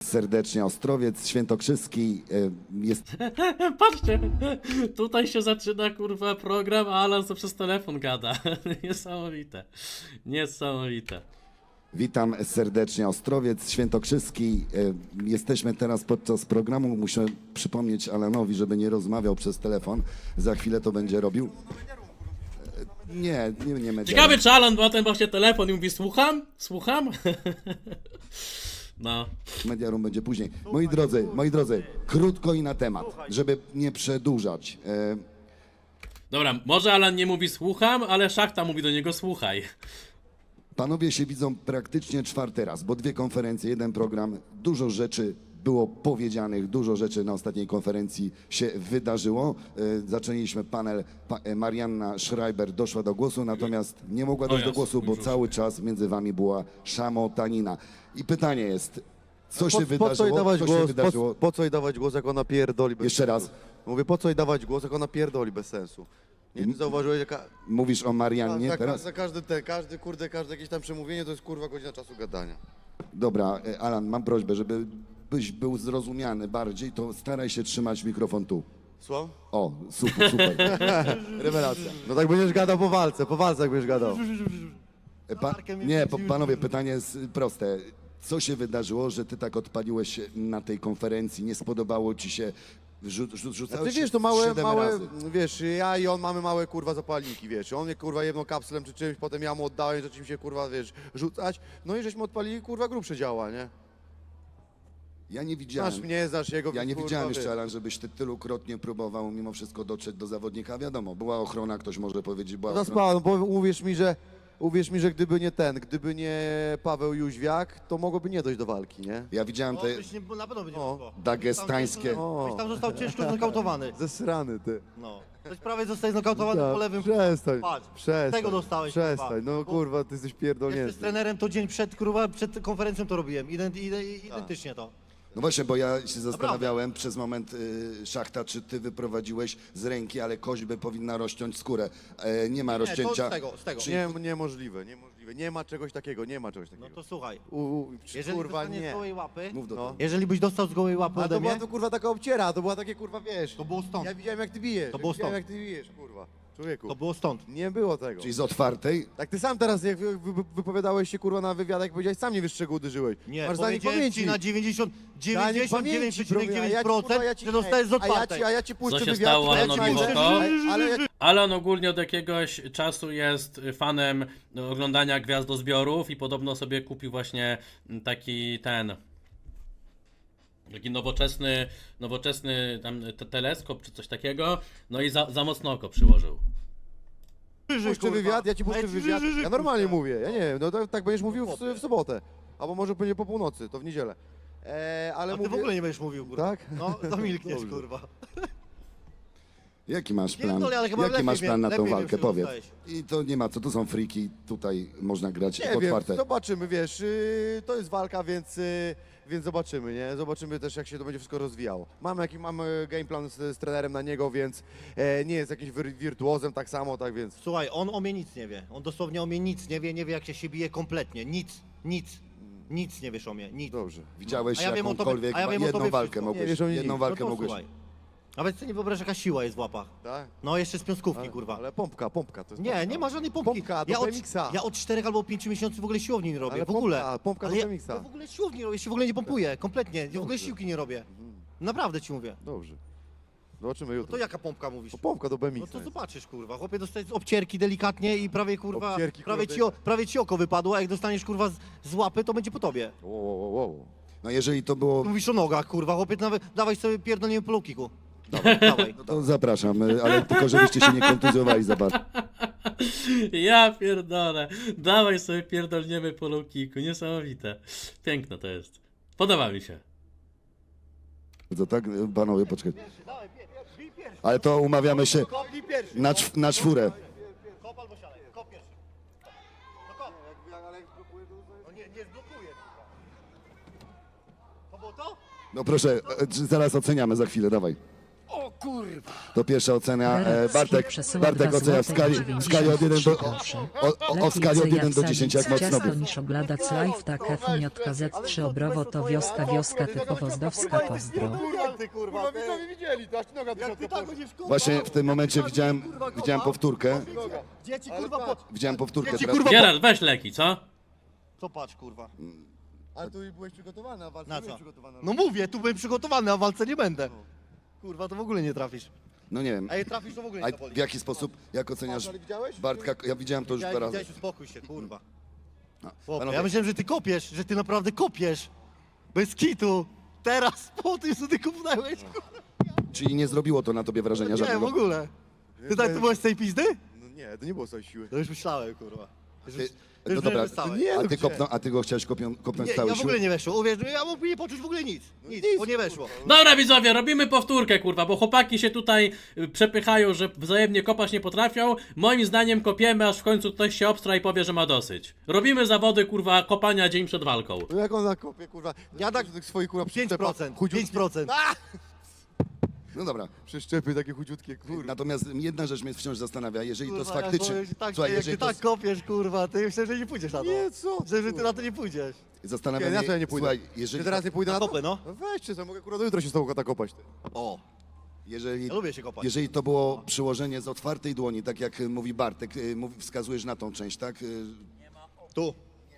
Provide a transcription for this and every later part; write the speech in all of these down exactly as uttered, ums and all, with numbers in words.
serdecznie Ostrowiec Świętokrzyski. Jest... Patrzcie, tutaj się zaczyna kurwa program, a Alan co przez telefon gada. Niesamowite, niesamowite. Witam serdecznie Ostrowiec Świętokrzyski. Jesteśmy teraz podczas programu. Muszę przypomnieć Alanowi, żeby nie rozmawiał przez telefon. Za chwilę to będzie robił. Nie, nie, nie medialnie. Ciekawe, czy Alan ma ten właśnie telefon i mówi słucham, słucham. No. Mediarum będzie później. Moi drodzy, moi drodzy, krótko i na temat, żeby nie przedłużać. E... Dobra, może Alan nie mówi słucham, ale Szachta mówi do niego słuchaj. Panowie się widzą praktycznie czwarty raz, bo dwie konferencje, jeden program, dużo rzeczy było powiedzianych, dużo rzeczy na ostatniej konferencji się wydarzyło. E, zaczęliśmy panel, pa, e, Marianna Schreiber doszła do głosu, natomiast nie mogła dojść do głosu, bo cały czas między wami była szamotanina. I pytanie jest, co po, się po wydarzyło? co jej dawać co głos, się wydarzyło? Po, po co jej dawać głos, jak ona pierdoli bez Jeszcze sensu? raz. Mówię, po co jej dawać głos, jak ona pierdoli bez sensu? Nie wiem, zauważyłeś, jaka... Mówisz o Mariannie za, teraz? za każdy ten, każdy, kurde, każde jakieś tam przemówienie to jest kurwa godzina czasu gadania. Dobra, e, Alan, mam prośbę, żeby byś był zrozumiany bardziej, to staraj się trzymać mikrofon tu. Słucham? O, super, super. Rewelacja. No tak będziesz gadał po walce, po walce jak będziesz gadał. E, Pa, nie, po, panowie, pytanie jest proste. Co się wydarzyło, że ty tak odpaliłeś na tej konferencji? Nie spodobało ci się? Rzu, rzu, A rzucałeś ty wiesz, się to małe, siedem małe, razy. wiesz, ja i on mamy małe kurwa zapalniki, wiesz, on mnie kurwa jedną kapslem czy czymś, potem ja mu oddałem, zaczął mi się kurwa, wiesz, rzucać, no i żeśmy odpalili kurwa grubsze działa, nie? Ja nie widziałem. Znasz mnie, znasz jego, Ja nie kurwa, widziałem wiesz. jeszcze, Alan, żebyś ty tylukrotnie próbował mimo wszystko dotrzeć do zawodnika. Wiadomo, była ochrona, ktoś może powiedzieć, była No ochrona. spała, no bo uwierz mi, że uwierz mi, że gdyby nie ten, gdyby nie Paweł Jóźwiak, to mogłoby nie dojść do walki, nie? Ja widziałem O, te byś nie, na pewno by nie O, mogło. dagestańskie... O. Byś tam został ciężko znokautowany. Zesrany ty. No. Ktoś prawie zostaje znokautowany Ja, po lewym. Przestań, Patrz, przestań. tego dostałeś, Przestań, kurwa. no Bo- kurwa, ty jesteś Jeszcze pierdolnięty. z trenerem to dzień przed, kurwa, przed konferencją to robiłem. Ident, ident, identycznie to. No właśnie, bo ja się zastanawiałem przez moment, y, Szachta, czy ty wyprowadziłeś z ręki, ale koźby powinna rozciąć skórę. E, nie ma Nie, to rozcięcia. z tego, z tego. Czyli- Nie, niemożliwe, niemożliwe. Nie ma czegoś takiego, nie ma czegoś No takiego. to słuchaj. U, u, Jeżeli kurwa, dostaniesz nie. z gołej łapy, Mów do No. tego. jeżeli byś dostał z gołej łapy Ale ode to była mnie, to kurwa taka obciera, to była takie kurwa, wiesz. to było stąd. Ja widziałem jak ty bijesz. To ja było widziałem stąd. jak ty bijesz, kurwa. Człowieku. To było stąd. Nie było tego. Czyli z otwartej. Tak ty sam teraz, jak wy, wy, wypowiadałeś się kurwa na wywiadach, powiedziałeś, sam nie wiesz czego uderzyłeś. Nie, Masz zanik powiedziałem pamięci. ci na dziewięćdziesiąt dziewięć Zanik przecinek dziewięć ja ci, kurwa, ja procent, ci- że dostajesz z a ja ci, otwartej. a ja ci puszczę Co się wywiad, stało a ja ci Alanowi puszczę- Woko? ale- Ale ja Alan ogólnie od jakiegoś czasu jest fanem oglądania gwiazdozbiorów i podobno sobie kupił właśnie taki ten... Taki nowoczesny, nowoczesny tam te teleskop czy coś takiego, no i za, za mocno oko przyłożył. puszczę wywiad, ja ci puszczę Ja ci wywiad. wyżej Ja normalnie puszczę. mówię, ja nie wiem, no tak, tak będziesz mówił w, w sobotę. Albo może będzie po północy, to w niedzielę. E, ale A ty mówię... w ogóle nie będziesz mówił, kurwa. Tak? No, zamilkniesz, Dobrze. kurwa. Jaki masz plan? Pierdolę, ale chyba Jaki lepiej masz wiem- plan na tą lepiej wiem, walkę? czym Powiedz. dostałeś. I to nie ma co, to są friki, tutaj można grać Nie wiem, otwarte. zobaczymy, wiesz, yy, to jest walka, więc, yy, więc zobaczymy, nie? Zobaczymy też, jak się to będzie wszystko rozwijało. Mamy jaki mamy game plan z, z trenerem na niego, więc e, nie jest jakimś wir, wirtuozem tak samo, tak więc... Słuchaj, on o mnie nic nie wie. On dosłownie o mnie nic nie wie, nie wie jak się, się bije kompletnie. Nic, nic, nic nie wiesz o mnie, nic. Dobrze. Widziałeś A ja wiem o tobie- jakąkolwiek, a ja wiem o jedną tobie walkę wszystko. mogłeś, Nie wiesz o mnie jedną nic. walkę no to mogłeś. słuchaj. Nawet sobie nie wyobrażasz jaka siła jest w łapach. Tak? No jeszcze z piąskówki, Ale, kurwa. ale pompka, pompka to jest Nie, pompka. nie ma żadnej pompki. Pompka do ja, od, B M X-a. ja od czterech albo pięciu miesięcy w ogóle siłowni nie robię, Ale w ogóle. pompka, pompka Ale do ja, B M X-a. ja w ogóle siłowni nie robię, ja się w ogóle nie pompuję, kompletnie. Ja w ogóle siłki nie robię. Naprawdę ci mówię. Dobrze. Zobaczymy jutro. To jaka pompka mówisz? No, pompka do B M No X-a to jest. zobaczysz, kurwa. Chłopie dostajesz obcierki delikatnie i prawie, kurwa, Obcierki, prawie, kurwa, ci, o, prawie ci oko wypadło, a jak dostaniesz, kurwa, z, z łapy, to będzie po tobie. Wow, wow, wow. No jeżeli to było, Mówisz o nogach, kurwa, chłopie, nawet dawaj sobie pierdolenie po low kicku. Dawaj, dawaj. to zapraszam, y, ale tylko żebyście się nie kontuzjowali za bardzo. Ja pierdolę. Dawaj sobie pierdolniemy po low kicku. Niesamowite. Piękne to jest. Podoba mi się. To tak, y, panowie, poczekaj. Ale to umawiamy się Kopnij pierwszy. na, czw, na czwórę. Kop albo siadaj, kop pierwszy. No kop. No nie, nie zblokuje. To było to? No proszę, y, zaraz oceniamy za chwilę, dawaj. O kurwa! To pierwsza ocena. E, Berat Bartek, przesyła Bartek dwa ocenia w złote skali, i w skali dziewięćdziesiąt od jeden do, groszy. o, o, o skali od Lepiej jeden do jak dziesięciu, jak sadzić mocno ciasto był. niż oglądać live tak F J Z trzy Obrowo to wioska, wioska typu pozdowska pozdro. Ty kurwa, ty. widzieli, to aż ty noga do Jak ty tak będziesz kurwa... Właśnie w tym momencie widziałem, widziałem powtórkę. Gdzie ci kurwa po... Widziałem powtórkę. Ja ci, Teraz. kurwa, Gerard, weź leki, co? To patrz kurwa. Ale tu byłeś przygotowany, a walce Na nie co? byłeś przygotowany. No mówię, tu byłem przygotowany, a w walce nie będę. Kurwa, to w ogóle nie trafisz. No nie wiem. A jak trafisz, to w ogóle A nie zaboli. w jaki sposób, jak oceniasz Ale widziałeś? Bartka? Ja widziałem to już dwa Widziałeś, razy. widziałeś, uspokój się, kurwa. No, Chłopie, panowie, ja myślałem, że ty kopiesz, że ty naprawdę kopiesz. Bez kitu. Teraz po tym, co ty kupnąłeś, kurwa. Czyli nie zrobiło to na tobie wrażenia Nie, w żadnego? ogóle. Ty tak tu byłeś z tej pizdy? No nie, to nie było całej siły. To już myślałem, kurwa. Już, Ty, już no wiem, dobra, że całe. nie, a no ty, gdzie? kopną, a ty go chciałeś kopią, kopnąć Nie, całej ja w ogóle siły? nie weszło. Uwierz mi, ja mógłbym nie poczuć w ogóle nic. Nic, nic, bo nie weszło. Dobra widzowie, robimy powtórkę kurwa, bo chłopaki się tutaj y, przepychają, że wzajemnie kopać nie potrafią. Moim zdaniem kopiemy, aż w końcu ktoś się obstra i powie, że ma dosyć. Robimy zawody kurwa kopania dzień przed walką. No jak on nakopie, kurwa. Ja tak- tych swoich kurwa pięć procent, pięć procent. No dobra. Przeszczepy takie chudziutkie, kurwa. Natomiast jedna rzecz mnie wciąż zastanawia, jeżeli to jest Kurwa, ja faktycznie... powiem ci tak, Słuchaj, jak jeżeli ty to tak jest... kopiesz, kurwa, ty myślę, że nie pójdziesz na to. Nie, co? Że, że ty na to nie pójdziesz. Zastanawia Nie, mnie... na co ja nie pójdę? Słuchaj, jeżeli, Czy teraz nie pójdę na to? kopę, no. No weźcie, co mogę kurwa do jutra się z tobą tak kopać. Ty. O, jeżeli, ja lubię się kopać. jeżeli to było przyłożenie z otwartej dłoni, tak jak y, mówi Bartek, y, mówi, wskazujesz na tą część, tak? Y, Tu.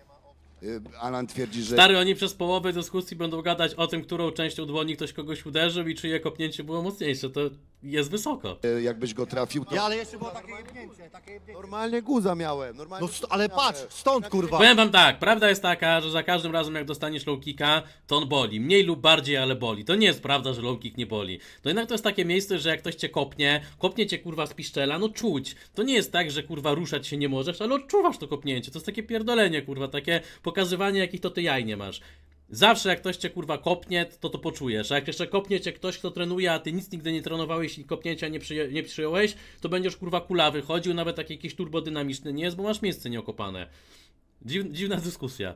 y, Alan twierdzi, że... Stary, oni przez połowę dyskusji będą gadać o tym, którą częścią dłoni ktoś kogoś uderzył i czyje kopnięcie było mocniejsze. To jest wysoko. y, jakbyś go trafił, to... Ja, ale jeszcze było takie jebnięcie, takie jebnięcie. Normalnie guza miałem, normalnie. No, st- ale patrz, stąd, kurwa. Powiem wam tak, prawda jest taka, że za każdym razem jak dostaniesz low kicka, to on boli. Mniej lub bardziej, ale boli. To nie jest prawda, że low kick nie boli. To jednak to jest takie miejsce, że jak ktoś cię kopnie, kopnie cię kurwa z piszczela, no czuć. To nie jest tak, że kurwa ruszać się nie możesz, ale odczuwasz to kopnięcie. To jest takie pierdolenie kurwa, takie pokazywanie jakich to ty jaj nie masz. Zawsze jak ktoś cię kurwa kopnie, to to poczujesz. A jak jeszcze kopnie cię ktoś, kto trenuje, a ty nic nigdy nie trenowałeś i kopnięcia nie, przyję- nie przyjąłeś, to będziesz kurwa kulawy chodził, nawet taki jakiś turbodynamiczny nie jest, bo masz miejsce nieokopane. Dziw, dziwna dyskusja.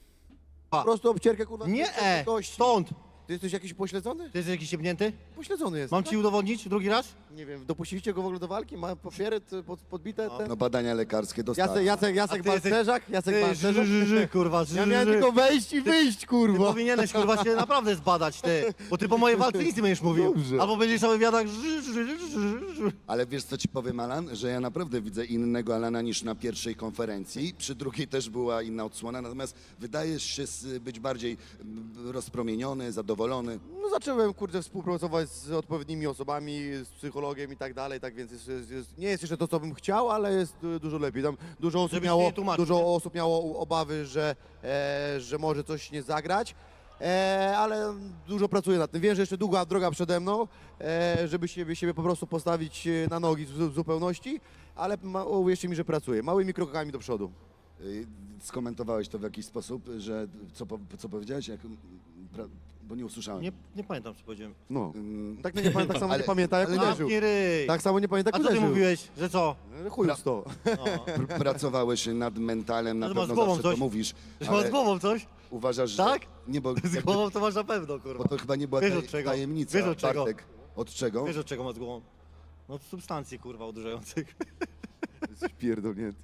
Po prostu obcierkę kurwa. Nie, e, kości. stąd. Ty jesteś jakiś pośledzony? Ty jesteś jakiś jebnięty? Pośledzony jest. Mam ci udowodnić drugi raz? Nie wiem, dopuściliście go w ogóle do walki? Ma papiery t- pod, podbite? Te? No badania lekarskie dostałem. Jacek, Jacek, A Jacek ty jesteś- Balcerzak? Jacek Ty, ży, Balcerzak? ży, ży, kurwa, ży, Ja miałem ży. tylko wejść i wyjść, Ty kurwa. powinieneś, kurwa, się naprawdę zbadać, ty. Bo ty po mojej walce nic nie będziesz mówił. Dobrze. Albo będziesz na wywiadach ży, ży, ży, ży, ży. Ale wiesz co ci powiem, Alan? Że ja naprawdę widzę innego Alana niż na pierwszej konferencji. Przy drugiej też była inna odsłona, natomiast wydajesz się s- być bardziej mm, rozpromieniony, zadowolony. No zacząłem, kurde, współpracować z odpowiednimi osobami, z psychologiem i tak dalej, tak więc jest, jest, jest, nie jest jeszcze to, co bym chciał, ale jest du- dużo lepiej. Tam dużo osób Żebyś miało, nie tłumaczył, dużo nie? osób miało obawy, że, e, że może coś nie zagrać. E, ale dużo pracuję nad tym. Wiem, że jeszcze długa droga przede mną, e, żeby siebie, siebie po prostu postawić e, na nogi w, w zupełności, ale ma, uwierzcie mi, że pracuję. Małymi krokami do przodu. Y, Skomentowałeś to w jakiś sposób, że co, po- co powiedziałeś? Jak, mm, pra- bo nie usłyszałem. Nie, nie pamiętam, co powiedziałem. No. Ym, Tak, nie, pamię- tak samo Ale- nie pamięta, jak ale nie- uderzył. Zamknij ryj. Tak samo nie pamięta, A jak co ty uderzył. mówiłeś, że co? Chuj w to. O, pr- pracowałeś nad mentalem, na Ale masz pewno z głową zawsze coś? to mówisz. że masz z Ale głową coś? uważasz, że... Tak? Nie, bo, Z jakby, głową to masz na pewno, bo kurwa. to chyba nie była Wiesz taj, od czego? tajemnica, Wiesz od czego? Bartek. Od czego? Wiesz od czego masz z głową? No od substancji, kurwa, odurzających. Jesteś pierdolnięty.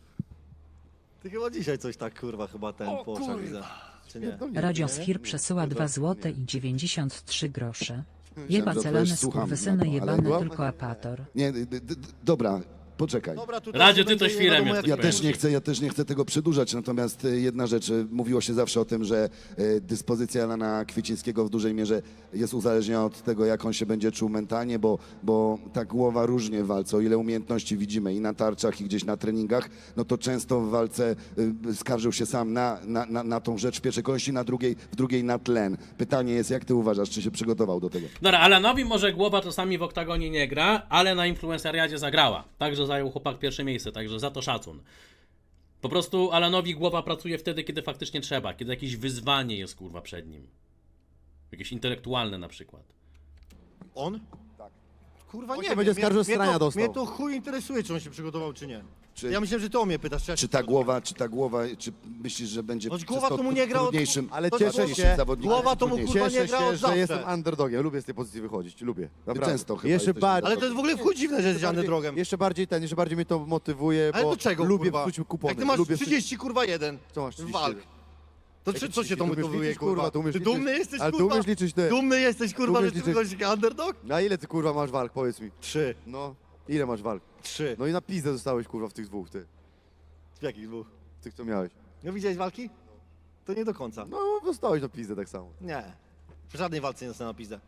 Ty chyba dzisiaj coś tak, kurwa, chyba ten O, po oczach kurwa. widzę. Czy nie? Radiosfir przesyła dwa złote i dziewięćdziesiąt trzy grosze. Myślałem, Jeba że celony odpowiesz, słucham, skurwysyny no, ale- jebany tylko apator. Nie, d, d, d, dobra, poczekaj. Dobra, tu Radzie, też ty to będzie nie świrem wiadomo, jesteś, jak Ja powiem też ci. nie chcę, ja też nie chcę tego przedłużać, natomiast y, jedna rzecz, y, mówiło się zawsze o tym, że y, dyspozycja Alana Kwiecińskiego w dużej mierze jest uzależniona od tego, jak on się będzie czuł mentalnie, bo, bo ta głowa różnie w walce, o ile umiejętności widzimy i na tarczach, i gdzieś na treningach, no to często w walce y, skarżył się sam na, na, na, na tą rzecz w pierwszej kolejności, na drugiej, w drugiej na tlen. Pytanie jest, jak ty uważasz, czy się przygotował do tego? Dobra, Alanowi może głowa czasami w oktagonie nie gra, ale na influenceriadzie zagrała. Także zajął chłopak pierwsze miejsce, także za to szacun. Po prostu Alanowi głowa pracuje wtedy, kiedy faktycznie trzeba, kiedy jakieś wyzwanie jest kurwa przed nim. Jakieś intelektualne na przykład. On? Kurwa On nie się wiem, będzie mnie- skarżył, mnie strania to- dostał. Mnie to chuj interesuje, czy on się przygotował, czy nie. Czy- Ja myślę, że ty o mnie pytasz, czy ja się Czy ta głowa, czy ta głowa, czy myślisz, że będzie No, przez głowa to to mu nie gra od- trudniejszym, Ale To cieszę trudniejszym się, zawodnikiem, głowa czy to mu, trudniejszym? kurwa, nie cieszę gra się, od że zawsze. jestem underdogiem. Lubię z tej pozycji wychodzić, lubię. Naprawdę. często chyba Jeszcze jesteś bardziej, Ale to jest w ogóle w chuj dziwne, że jest bardziej, drogiem. jeszcze bardziej ten, jeszcze bardziej mnie to motywuje, Ale bo do czego, lubię kurwa? wrzucić kupony. Jak ty masz lubię wrzucić- trzydzieści, kurwa, jeden Co masz trzydzieści walk. jeden? To Jakie czy, co się trzydzieści? to Ty umiesz motywuje, liczyć, kurwa? kurwa, ty umiesz Ty liczyć? dumny jesteś, Ale ty kurwa? umiesz liczyć te- Dumny jesteś, kurwa, umiesz że ty liczyć- jesteś underdog? Na ile ty kurwa masz walk, powiedz mi? Trzy. No, ile masz walk? Trzy. No i na pizdę zostałeś kurwa w tych dwóch, ty. W jakich dwóch? W tych co miałeś. No widziałeś walki? To nie do końca. No, dostałeś na pizdę tak samo. Nie. W żadnej walce nie zostałem na pizdę.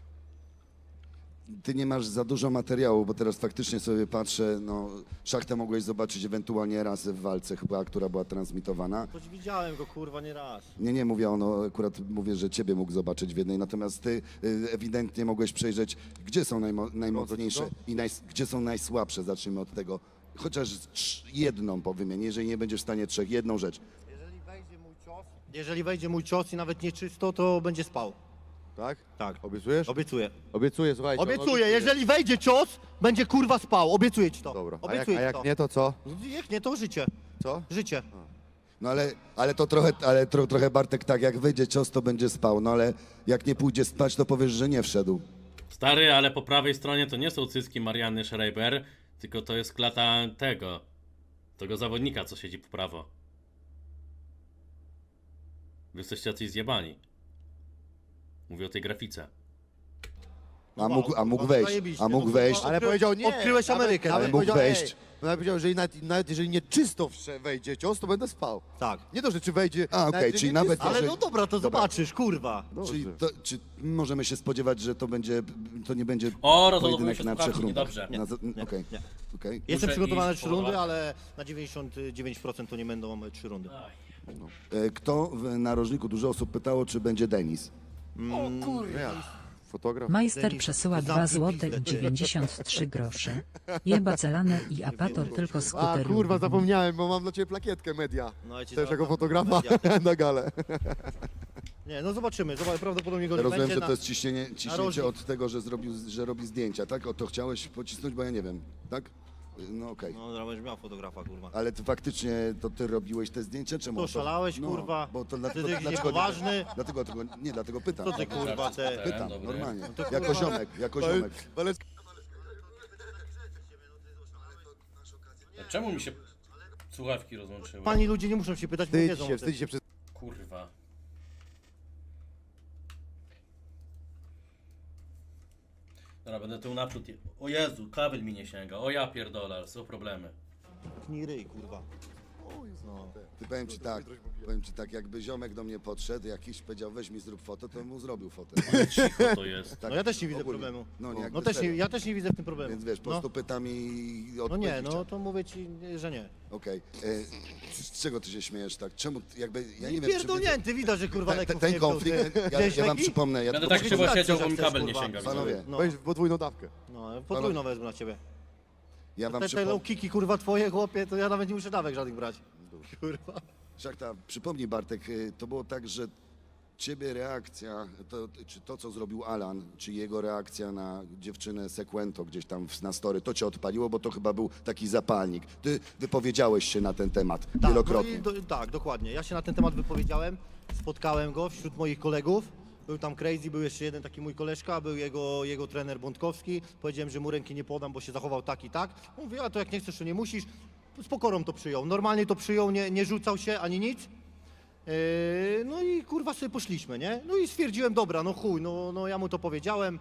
Ty nie masz za dużo materiału, bo teraz faktycznie sobie patrzę, no Szachtę mogłeś zobaczyć ewentualnie raz w walce chyba, która była transmitowana. Choć widziałem go, kurwa, nie raz. Nie, nie mówię ono, akurat mówię, że ciebie mógł zobaczyć w jednej, natomiast ty y, ewidentnie mogłeś przejrzeć, gdzie są najmo, najmocniejsze co? i naj, gdzie są najsłabsze, zacznijmy od tego. Chociaż trz- jedną powymień, jeżeli nie będziesz w stanie trzech, jedną rzecz. Jeżeli wejdzie mój cios... Jeżeli wejdzie mój cios i nawet nieczysto, to będzie spał. Tak? Tak. Obiecujesz? Obiecuję. Obiecuję, słuchajcie. on Obiecuję, jeżeli wejdzie cios, będzie kurwa spał. Obiecuję ci to. Dobra, a jak, Obiecuję a ci jak to. nie, to co? Jak nie, to życie. Co? Życie. No ale, ale to trochę, ale tro, trochę Bartek tak, jak wyjdzie cios, to będzie spał, no ale jak nie pójdzie spać, to powiesz, że nie wszedł. Stary, ale po prawej stronie to nie są cycki Marianny Schreiber, tylko to jest klata tego, tego zawodnika, co siedzi po prawo. Wy jesteście jacyś zjebani. Mówię o tej grafice. A mógł, a mógł no, wejść, zajebiście, a mógł no, wejść. kurwa. Ale powiedział nie. Odkryłeś nawet- Amerykę, Nawet ale mógł powiedział, wejść. Ej, nawet powiedział, że nawet, nawet jeżeli nie czysto wsze- wejdzie cios, to będę spał. Tak. Nie to, że czy wejdzie... A, okej, że czyli nie nawet czysto. Ale jeżeli- no dobra, to Dobra. zobaczysz, kurwa. Dobrze. Czyli to, czy możemy się spodziewać, że to będzie, to nie będzie O, rozładowują pojedynek się na trzech słuchawki, rundach? niedobrze. Nie, Na za- nie, Okej, nie. okej. Jestem Muszę przygotowany na iść trzy rundy, połowa. ale na dziewięćdziesiąt dziewięć procent to nie będą e, trzy rundy. E, Kto w narożniku, dużo osób pytało, czy będzie Denis? Ja. Fotograf. Majster Denis, przesyła zamknij dwa złote pizdę, i ty. dziewięćdziesiąt trzy grosze. Jeba celane i apator tylko A skuter kurwa, lubi. zapomniałem, bo mam dla ciebie plakietkę media. No, ja ci Też za- jako fotografa media. na galę. Nie, no zobaczymy, zobacz, prawdopodobnie go nie Rozumiem, będzie. że na- to jest ciśnienie, ciśnięcie narożnik. od tego, że, zrobił, że robi zdjęcia, tak? O to chciałeś pocisnąć, bo ja nie wiem, tak? No okej. No dobra, będziesz miał fotografa, kurwa. Ale ty faktycznie to ty robiłeś te zdjęcia, czemu? To szalałeś, no, kurwa? Bo to Ty dlatego, jesteś dlaczego, niepoważny? dlatego, dlatego, nie, dlatego pytam. Co ty, kurwa, te... Pytam, Dobry. normalnie. to Jako kurwa- ziomek, jako ziomek. A czemu mi się słuchawki rozłączyły? Pani ludzie nie muszą się pytać, bo Wstydź wiedzą o się, tym. wstydź się przez... Kurwa. Dobra, będę tu naprzód. je- O Jezu, kabel mi nie sięga. O ja pierdolę, są problemy. Tnij ryj, kurwa. No. Ty powiem ci tak, powiem ci tak, jakby ziomek do mnie podszedł, jakiś powiedział weź mi zrób fotę, to bym mu zrobił fotę. Cicho to jest. Tak, No ja też nie widzę ogólnie. problemu. No nie, jakby No też nie, serio. ja też nie widzę w tym problemu. Więc wiesz, po no. prostu pytam i No odpowiedzi nie, no chciałem. to mówię ci, że nie. Okej. E, Z czego ty się śmiejesz tak? Czemu, jakby, ja nie wiem, czy... Pierdolnięty, widać, że kurwa Ten, leków ten nie wziął, konflikt, ty. ja, Wziąłeś ja wam leki? przypomnę, ja Będę tylko tak krzywo Zobaczcie, siedział, bo jak mi chcesz, kabel nie kurwa. sięga. Panowie, widzowie. No, Weź podwójną dawkę. no podwójną wezmę na ciebie. ja wam Te, te przypomnę... low kiki, kurwa, twoje, chłopie, to ja nawet nie muszę dawek żadnych brać. Kurwa. Szachta, przypomnij Bartek, y, to było tak, że ciebie reakcja, to, czy to co zrobił Alan, czy jego reakcja na dziewczynę Sequento gdzieś tam w- na story, to cię odpaliło, bo to chyba był taki zapalnik. Ty wypowiedziałeś się na ten temat Tak, wielokrotnie. No i do, tak, dokładnie. Ja się na ten temat wypowiedziałem, spotkałem go wśród moich kolegów. Był tam Crazy, był jeszcze jeden taki mój koleżka, był jego, jego trener Bątkowski. Powiedziałem, że mu ręki nie podam, bo się zachował tak i tak. Mówię, a to jak nie chcesz, to nie musisz. Z pokorą to przyjął. Normalnie to przyjął, nie, nie rzucał się ani nic. Yy, no i kurwa sobie poszliśmy, nie? No i stwierdziłem, dobra, no chuj, no, no ja mu to powiedziałem.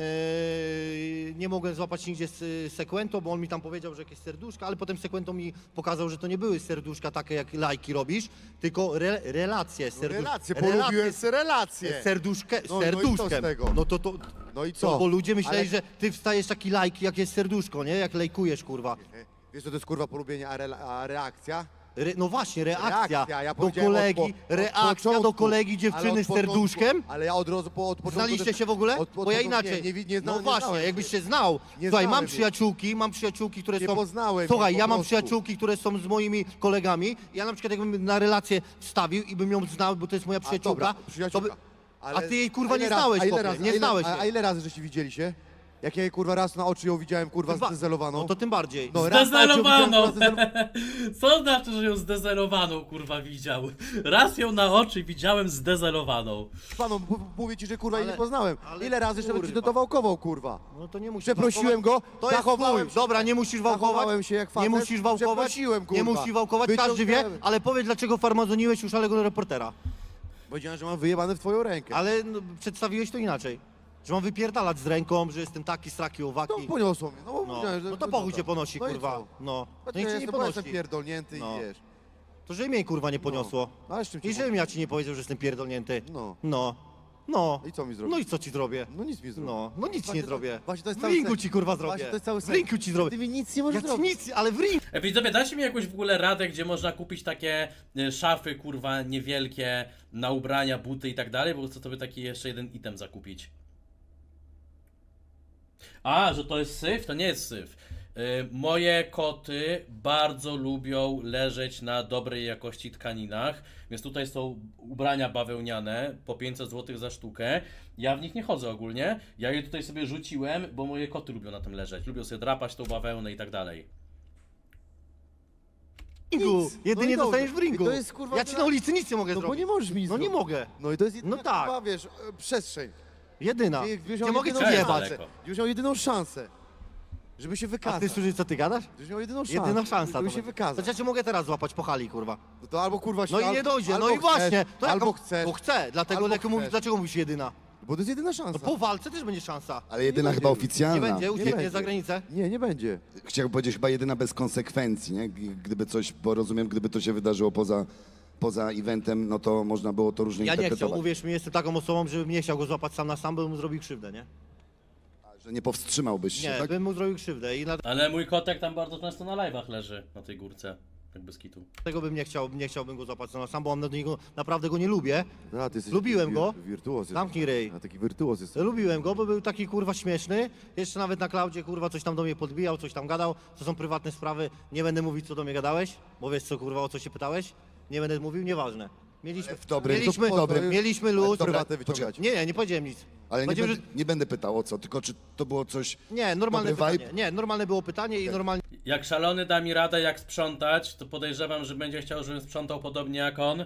Yy, nie mogłem złapać nigdzie z Sequento, bo on mi tam powiedział, że jakieś serduszka, ale potem Sequento mi pokazał, że to nie były serduszka takie, jak lajki robisz, tylko re, relacje. Serdusz, Relacje, polubiłem se relacje. Serduszkę, No, no i co z serduszkiem. tego? No to to... No i Co? co? Bo ludzie myśleli, Ale- że ty wstajesz taki lajk, jak jest serduszko, nie? Jak lajkujesz, kurwa. Wiesz co to jest kurwa polubienie, a, rela- a reakcja? Re, no właśnie, reakcja, Reakcja, ja do powiedziałem od kolegi, po- od reakcja początku, do kolegi ale dziewczyny od z początku- serduszkiem. Ale ja od razu po od początku... Znaliście też- się w ogóle? Od, od, Bo ja początku inaczej. Nie, nie, nie, zna, no nie właśnie, znałem jakbyś się. się znał. Nie Słuchaj, znałem mam jej. przyjaciółki, mam przyjaciółki, które Nie są... poznałem Słuchaj, jej po ja mam prostu. przyjaciółki, które są z moimi kolegami. Ja na przykład jakbym na relację wstawił i bym ją znał, bo to jest moja A, przyjaciółka, dobra, przyjaciółka. to by... Ale A ty jej, kurwa, ile nie razy- znałeś, a ile chłopie, razy- nie a ile- znałeś A, a jej. ile razy żeście widzieli się? Jak ja jej kurwa raz na oczy ją widziałem kurwa Chyba- zdezelowaną. No to tym bardziej. No, raz na oczy ją widziałem, Zdezelowaną! kurwa, zdezelowaną. Co znaczy, że ją zdezelowaną, kurwa, widział? Raz ją na oczy widziałem zdezelowaną. Panu, m- mówię ci, że kurwa jej Ale- nie poznałem. ale Ile razy jeszcze kurwa. ci to wałkował kurwa. No to nie musisz Przeprosiłem wałkować. go, To jest zachowałem twój. się. Dobra, nie musisz wałkować. Zachowałem się jak Nie facet. musisz wałkować. Przeprosiłem, kurwa. Nie musisz wałkować, każdy wie, Wyciągnąłem. ale powiedz dlaczego farmazoniłeś już szalego reportera. Powiedziałem, że mam wyjebane w twoją rękę. Ale no, przedstawiłeś to inaczej. Że mam wypierdalać z ręką, że jestem taki, straki, No owaki. poniosło mnie, no bo No, powiedziałem, że... no to pochuj cię ponosi, No i kurwa. co? No, No to niech cię nie jestem, bo jestem ponosi. pierdolnięty No. i wiesz. To że mnie kurwa nie poniosło. No, ale z czym ci I żebym ja ci nie powiedział, że jestem pierdolnięty. No. No. No. I co mi zrobisz? No i co ci zrobię? No nic mi zrobił. No, no nic Właśnie nie to- zrobię. właśnie to jest w cały ringu sens. ci kurwa Właśnie zrobię. to jest cały W sens. ringu ci zrobię. Ty mi nic nie możesz Ja ci zrobić. nic, ale w ringu. E, widzowie, dacie mi jakąś w ogóle radę, gdzie można kupić takie e, szafy, kurwa, niewielkie, na ubrania, buty i tak dalej, bo chcę sobie taki jeszcze jeden item zakupić. A, że to jest syf? To nie jest syf. E, moje koty bardzo lubią leżeć na dobrej jakości tkaninach, więc tutaj są ubrania bawełniane po pięćset złotych za sztukę. Ja w nich nie chodzę ogólnie, ja je tutaj sobie rzuciłem, bo moje koty lubią na tym leżeć, lubią sobie drapać tą bawełnę i tak dalej. ringu. Nic. Jedynie No i dostaniesz w dobrze. ringu. I to jest, kurwa, ja ci dla- na ulicy nic nie mogę No bo zrobić. nie możesz mi nic No nie zrobić. mogę. No i to jest jedyna, No tak. kurwa, wiesz, e, przestrzeń. Jedyna. Ty byś Nie miał mogę ci jedyną jest jebać. szansę. daleko. Gdybyś miał jedyną szansę, żeby się A wykazać. ty słyszysz co ty gadasz? Gdybyś miał jedyną szansę. Jedyna szansa. Żeby to się będzie. wykazać. To ja cię mogę teraz złapać po hali, kurwa. No to albo kurwa się, No i al- nie dojdzie, albo no i chcesz, właśnie. To albo jaka- chcesz. Bo chcę, dlatego albo dlaczego mówisz, chcesz. dlaczego mówisz jedyna? Bo to jest jedyna szansa. No po walce też będzie szansa. Ale jedyna Nie chyba będzie. oficjalna. Nie będzie, nie ucieknie będzie. za granicę. Nie, nie będzie. Chciałbym powiedzieć chyba jedyna bez konsekwencji, nie? G- Gdyby coś, bo rozumiem, gdyby to się wydarzyło poza, poza eventem, no to można było to różnie Ja nie chciał, interpretować. uwierz mi, jestem taką osobą, żebym nie chciał go złapać sam na sam, bym mu zrobił krzywdę, nie? Że nie powstrzymałbyś się, Nie, tak? bym mu zrobił krzywdę i Ale mój kotek tam bardzo często na live'ach leży, na tej górce, tak bez kitu. dlatego bym nie chciał, nie chciałbym go złapać sam na sam, bo on do niego, naprawdę go nie lubię. A, ty jesteś Lubiłem wir- go. Wirtuoz jesteś. Zamknij ryj. A taki wirtuoz jesteś. Lubiłem go, bo był taki kurwa śmieszny. Jeszcze nawet na Klaudzie kurwa coś tam do mnie podbijał, coś tam gadał. To są prywatne sprawy. Nie będę mówić co do mnie gadałeś, bo wiesz co kurwa o co się pytałeś. Nie będę mówił, nieważne. Mieliśmy, w dobrym- mieliśmy, w dobrym- mieliśmy Ale luz. dobra, prywatne wyciągać. Nie, nie, nie powiedziałem nic. Ale nie Powiedziałem, będę, nie będę pytał o co, tylko czy to było coś... że... nie, normalne dobry pytanie. vibe? Nie, normalne było pytanie i normalnie Jak szalony da mi radę jak sprzątać, to podejrzewam, że będzie chciał, żebym sprzątał podobnie jak on.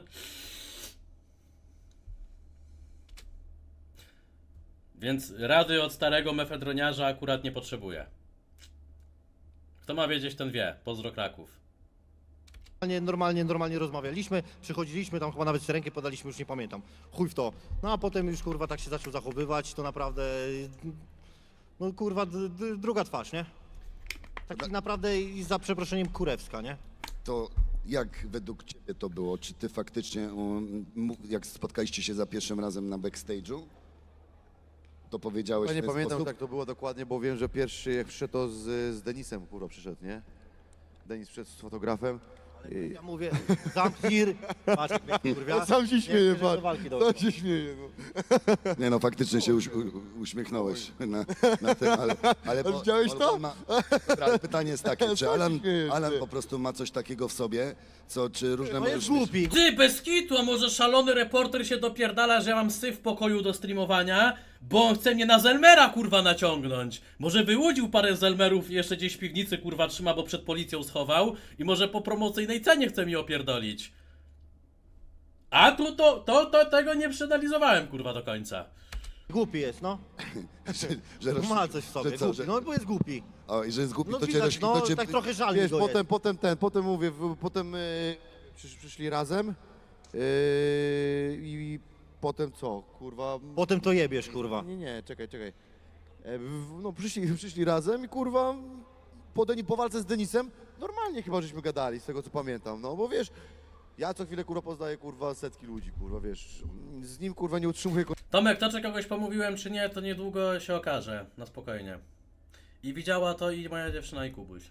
Więc rady od starego mefedroniarza akurat nie potrzebuję. Kto ma wiedzieć, ten wie. Pozdro Kraków. Normalnie, normalnie, normalnie rozmawialiśmy, przychodziliśmy, tam chyba nawet sobie rękę podaliśmy, już nie pamiętam. Chuj w to. No a potem już kurwa tak się zaczął zachowywać, to naprawdę, no kurwa, d- d- druga twarz, nie? Tak naprawdę i za przeproszeniem kurewska, nie? To jak według ciebie to było? Czy ty faktycznie, um, mu- jak spotkaliście się za pierwszym razem na backstage'u, to powiedziałeś Ja nie w ten pamiętam sposób? tak to było dokładnie, bo wiem, że pierwszy jak przyszedł to z, z Denisem kurwa przyszedł, nie? Denis przyszedł z fotografem. I... Ja mówię, zamknij, ry- patrz jak mnie kurwia. Sam się Nie śmieje, chcę, żeby do patrz. walki Sam doszło. się śmieje, no. Nie no, faktycznie się uś, u, uśmiechnąłeś na, na tym, ale... ale A widziałeś ale to? Ma, dobra, ale pytanie jest takie, czy Co się Alan, śmiejesz, Alan ty? po prostu ma coś takiego w sobie, co, czy różne... No jest możesz mieć- głupi. Ty, bez kitu, a może szalony reporter się dopierdala, że ja mam syf w pokoju do streamowania, bo on chce mnie na Zelmera, kurwa, naciągnąć. Może wyłudził parę Zelmerów i jeszcze gdzieś w piwnicy, kurwa, trzyma, bo przed policją schował i może po promocyjnej cenie chce mi opierdolić. A tu to, to, to tego nie przeanalizowałem, kurwa, do końca. Głupi jest, no. że, że, No roz- ma coś w sobie, że co, głupi. że, No bo jest głupi. o, i że jest głupi, No to cię... widać, roz- no to cię tak trochę żal mi Wiesz, go potem, jest. potem ten, potem mówię, w, potem y, przysz, przyszli razem yy, i potem co, kurwa... Potem to jebiesz, kurwa. Nie, nie, czekaj, czekaj. E, w- No przyszli, przyszli razem i kurwa po, Deni, po walce z Denisem normalnie chyba żeśmy gadali, z tego co pamiętam, no bo wiesz, ja co chwilę kurwa poznaję kurwa setki ludzi, kurwa wiesz, z nim kurwa nie utrzymuję Tomek, to czy kogoś pomówiłem, czy nie, to niedługo się okaże, na spokojnie. I widziała to i moja dziewczyna i Kubuś.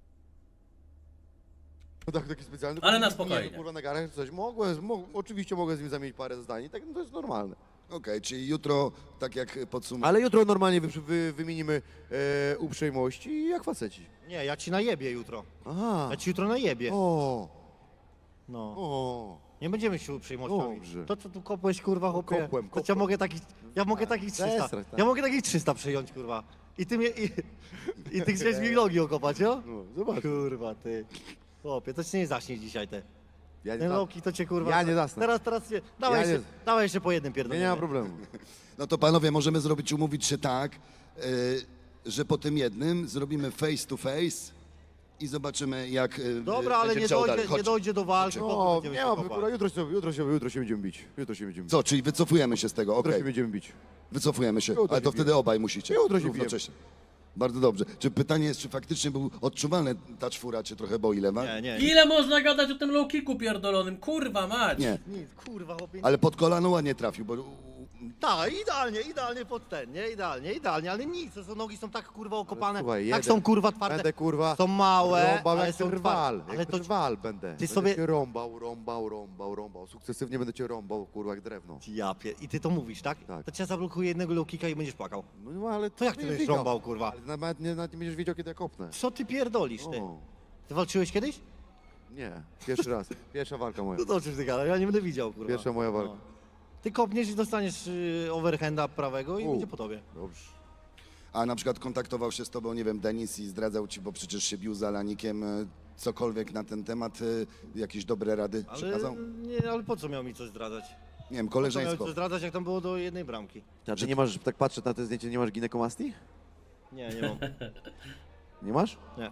kontaktu taki specjalny. Ale na Nie, spokojnie. kurwa na garach czy coś, mogłem, mo, oczywiście mogę z nim zamienić parę zdań, i tak no to jest normalne. Okej, czyli jutro, tak jak podsumujesz... Ale jutro normalnie wy, wy, wymienimy e, uprzejmości i jak faceci. Nie, ja ci najebię jutro. Aha, Ja ci jutro najebię. o, No. o. Nie będziemy się uprzejmościami. Dobrze. To co tu kopłeś, kurwa, chłopie? Kopłem, To ja kopłem. mogę takich, ja mogę takich trzysta. Zesrać, tak. Ja mogę takich trzysta przyjąć, kurwa. I ty mnie, i, i ty chcesz mi nogi okopać, jo? No, zobacz. Kurwa, ty. Chłopie, to cię nie zaśnie dzisiaj te. Ja nie, Ten za... Loki to cię kurwa... Ja nie zasnę. Teraz, teraz cię... Dawaj, Ja nie- jeszcze, dawaj jeszcze po jednym nie, pierdoleniu. nie ma problemu. No to panowie, możemy zrobić, umówić się tak, e, że po tym jednym zrobimy face to face i zobaczymy, jak e, Dobra, ale będzie nie chciał dojdzie, dalej. nie Chodź. dojdzie do walki, No, potem będziemy nie się ma, kopać. kurwa, jutro się, jutro się, jutro się będziemy bić. Jutro się będziemy bić. Co, czyli wycofujemy się z tego, Jutro okej. się będziemy bić. Wycofujemy się, Jutro ale się to bijemy. wtedy obaj musicie. Jutro się równocześnie. Bardzo dobrze. Czy pytanie jest, czy faktycznie był odczuwalny ta czwóra, czy trochę boi lewa? Nie, nie. Ile można gadać o tym low kicku pierdolonym? Kurwa mać! Nie, Nic, kurwa, chłopie. ale pod kolano ładnie trafił, bo Tak, idealnie, idealnie pod ten, nie? Idealnie, idealnie, ale nic, to są nogi są tak kurwa okopane, Słuchaj, tak jeden. są kurwa twarde, Będę kurwa są małe, rąbał ale jak są rwal, twarde. Ale jak to, rwal będę. ty Będę sobie- cię rąbał, rąbał, rąbał, rąbał. Sukcesywnie będę cię rąbał, kurwa, jak drewno. ja pie... I ty to mówisz, tak? Tak. To cię zablokuje jednego low kicka i będziesz płakał. No ale To jak ty będziesz będziesz wiedział. rąbał, kurwa? Ale nawet nie, nawet nie będziesz wiedział, kiedy ja kopnę. Co ty pierdolisz, ty? O, Ty walczyłeś kiedyś? nie, pierwszy raz. Pierwsza walka moja. No to o czym ty gadasz? Ja nie będę widział, kurwa. Pierwsza moja walka. No. Ty kopniesz i dostaniesz y, overhanda prawego i U. będzie po tobie. Dobrze. a na przykład kontaktował się z tobą, nie wiem, Denis i zdradzał ci, bo przecież się bił z Alanikiem, e, cokolwiek na ten temat, e, jakieś dobre rady Ale, przekazał? nie, ale po co miał mi coś zdradzać? Nie wiem, Po co miał koleżeństwo. coś zdradzać, jak tam było do jednej bramki? A ty nie masz, tak patrzę na te zdjęcie, nie masz ginekomastii? Nie, nie mam. Nie masz? Nie.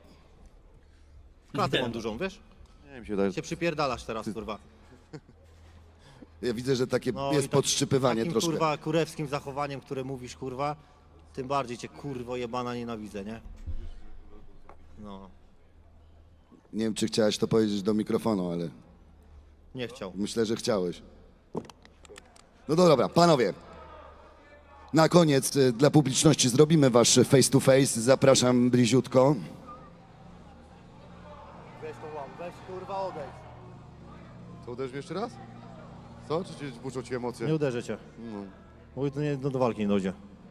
Klatę Nie. mam dużą, wiesz? Nie, mi się wydaje, że... Się przypierdalasz teraz, kurwa. Ja widzę, że takie No jest i tak- podszczypywanie takim, troszkę. kurwa, kurewskim zachowaniem, które mówisz, kurwa, tym bardziej cię, kurwo, jebana nienawidzę, nie? No, Nie wiem, czy chciałeś to powiedzieć do mikrofonu, ale nie chciał. myślę, że chciałeś. No dobra, panowie. Na koniec e, dla publiczności zrobimy wasz face to face. Zapraszam bliziutko. Weź to łam, weź, kurwa, odejdź. To uderzysz mnie jeszcze raz? Co? Czy ci buczą ci emocje? Nie uderzę cię. No. Bo to nie, do, do walki nie dojdzie.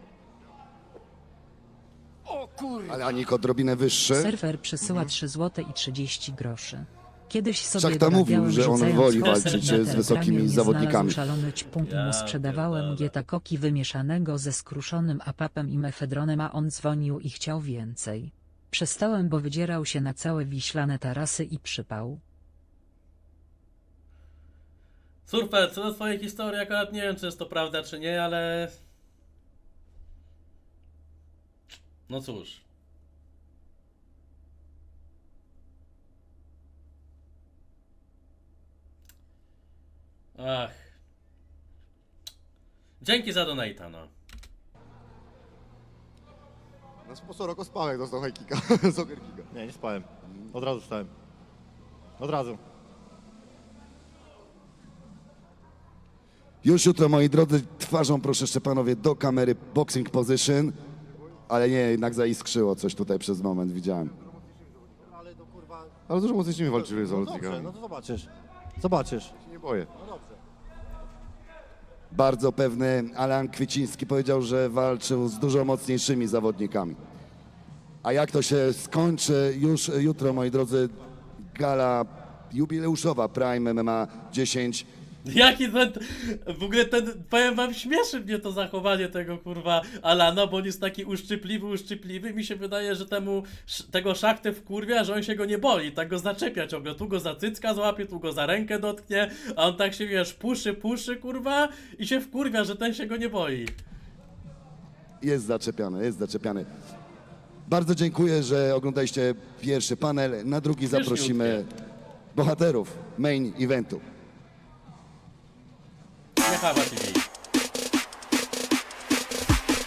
Ale Anik odrobinę wyższy. Serwer przysyła trzy złote i trzydzieści groszy. Kiedyś sobie Szachta mówił, dorabiałem, że on rzucając woli kostek walczyć na z ten wysokimi ramię, nie zawodnikami. znalazł szalony ćpunk i mu Ja sprzedawałem pierdolę. gieta koki wymieszanego ze skruszonym apapem i mefedronem, a on dzwonił i chciał więcej. Przestałem, bo wydzierał się na całe wiślane tarasy i przypał. Surfer, co do twojej historii, akurat nie wiem, czy jest to prawda, czy nie, ale... No cóż. Ach. Dzięki za donata, no. Na sposób spałek dostał high kicka, soccer kicka. Nie, nie spałem. Od razu wstałem. Od razu. Już jutro, moi drodzy, twarzą proszę jeszcze panowie do kamery boxing position. Ale nie, jednak zaiskrzyło coś tutaj przez moment, widziałem. Ale to kurwa... Ale dużo mocniejszymi walczyli z No dobrze, zawodnikami. no to zobaczysz. Zobaczysz. Się nie boję. No dobrze. Bardzo pewny Alan Kwieciński powiedział, że walczył z dużo mocniejszymi zawodnikami. A jak to się skończy już jutro, moi drodzy, gala jubileuszowa Prime M M A dziesięć. Jaki ten, w ogóle ten, powiem wam, śmieszy mnie to zachowanie tego kurwa Alana, bo on jest taki uszczypliwy, uszczypliwy. Mi się wydaje, że temu, sz- tego szachtę wkurwia, że on się go nie boi, tak go zaczepia ciągle, tu go za cycka złapie, tu go za rękę dotknie, a on tak się, wiesz, puszy, puszy, kurwa, i się wkurwia, że ten się go nie boi. Jest zaczepiany, jest zaczepiany. Bardzo dziękuję, że oglądaliście pierwszy panel. Na drugi zaprosimy bohaterów main eventu. Nie chawa się.